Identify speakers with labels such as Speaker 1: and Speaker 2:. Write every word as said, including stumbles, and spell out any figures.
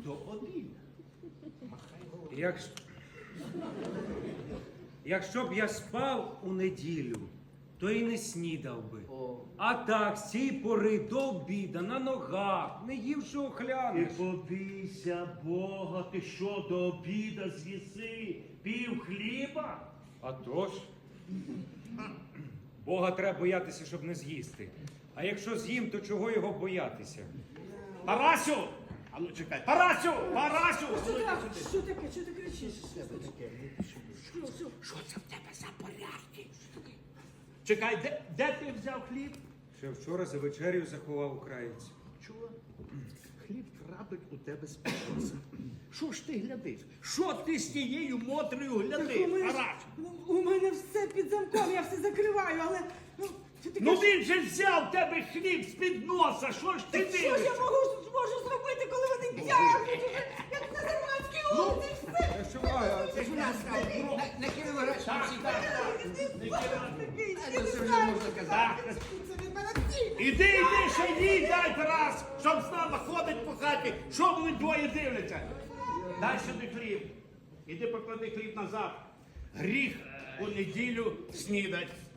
Speaker 1: до обіду. Махай головою.
Speaker 2: Якщо... Якщо б я спав у неділю, то і не снідав би.
Speaker 1: О.
Speaker 2: А так, з цієї пори до обіда, на ногах, не ївши
Speaker 3: Ти
Speaker 2: охлянеш.
Speaker 3: побійся Бога, ти що до обіда з'їси пів хліба?
Speaker 2: А то ж. Бога треба боятися, щоб не з'їсти. А якщо з'їм, то чого його боятися?
Speaker 3: Парасю! А ну чекай, Парасю! Парасю!
Speaker 4: Що так? Що таке? Що ти кричиш? Що, що?
Speaker 1: Що це в тебе за порядки?
Speaker 3: Чекай, де, де ти взяв хліб?
Speaker 2: Ще вчора за вечерю заховав українця.
Speaker 1: Чого? Хліб трапить у тебе з підноса. Що ж ти глядиш? Що ти з тією мотрою
Speaker 4: Так у
Speaker 1: глядиш,
Speaker 4: мене, ж-
Speaker 1: Парасю?
Speaker 4: ну, у мене все під замком, я все закриваю, але... Ну, що ти
Speaker 3: Ну
Speaker 4: кажеш?
Speaker 3: він же взяв тебе хліб з-під носа, що ж ти
Speaker 4: Так що ж я
Speaker 3: дивишся?
Speaker 4: можу, можу зробити, коли вони тягнуть уже, як на Зарманській лодці, все?
Speaker 2: Та що, а, це ж
Speaker 1: У нас на Кіровоградській
Speaker 4: Такий,
Speaker 1: Це вже можна казати.
Speaker 4: це від мене всі.
Speaker 3: Іди, іди, ще їй дай раз, щоб з нами ходить по хаті, що вони двоє дивляться. Дай сюди хліб. Іди поклади хліб назад. Гріх у неділю снідать.